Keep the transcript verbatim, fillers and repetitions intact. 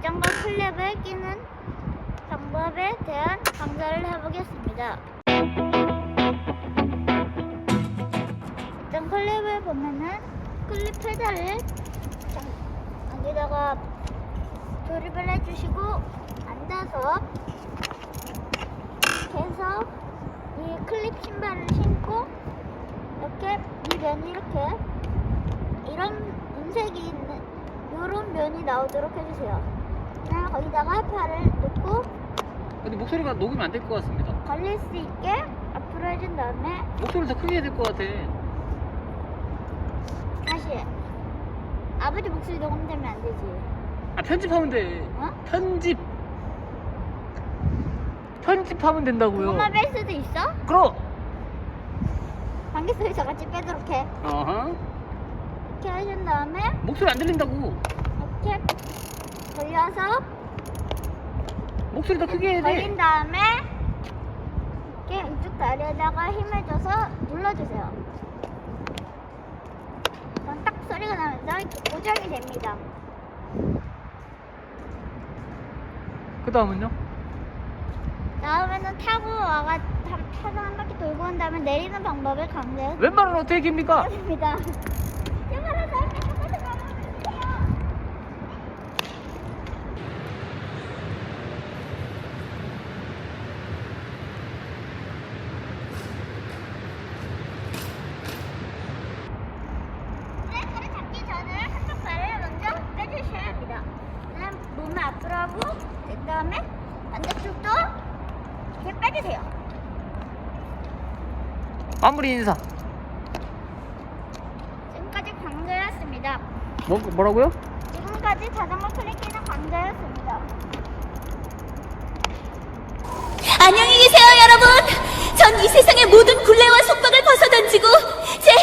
자전거 클립을 끼는 방법에 대한 강좌를 해보겠습니다. 일단 클립을 보면은 클립 페달을 여기다가 조립을 해주시고 앉아서 계속 이 클립 신발을 신고 이렇게 이 면이 이렇게 이런 은색이 있는 이런 면이 나오도록 해주세요. 그냥 거기다가 팔을 놓고 근데 목소리가 녹으면 안 될 것 같습니다. 걸릴 수 있게 앞으로 해준 다음에 목소리를 더 크게 해야 될 것 같아. 다시 아버지 목소리 녹음되면 안 되지. 아, 편집하면 돼. 어? 편집. 편집하면 된다고요. 그것만 뺄 수도 있어? 그럼. 방귀 소리 저같이 빼도록 해. 어허. 이렇게 해준 다음에 목소리 안 들린다고. 이렇게 돌려서 목소리 더 크게 해야 돼. 걸린 다음에 이렇게 이쪽 다리에다가 힘을 줘서 눌러주세요. 그럼 딱 소리가 나면서 이렇게 고정이 됩니다. 그 다음은요? 다음에는 타고 와가 타- 타서 한 바퀴 돌고 온 다음에 내리는 방법을 강조해 왼발은 어떻게 깁니까? 드립니다. 제발로 저한테 한 번만 가르쳐주세요. 브레이크를 잡기 전에 한쪽 발을 먼저 빼주셔야 합니다. 그다음 몸을 앞으로 하고 그 다음에 반대쪽도 이렇게 빼주세요. 마무리 인사. 지금까지 강조였습니다. 뭐, 뭐라고요? 지금까지 자전거 클릭키는 강조였습니다. 안녕히 계세요, 여러분. 전 이 세상의 모든 굴레와 속박을 벗어던지고 제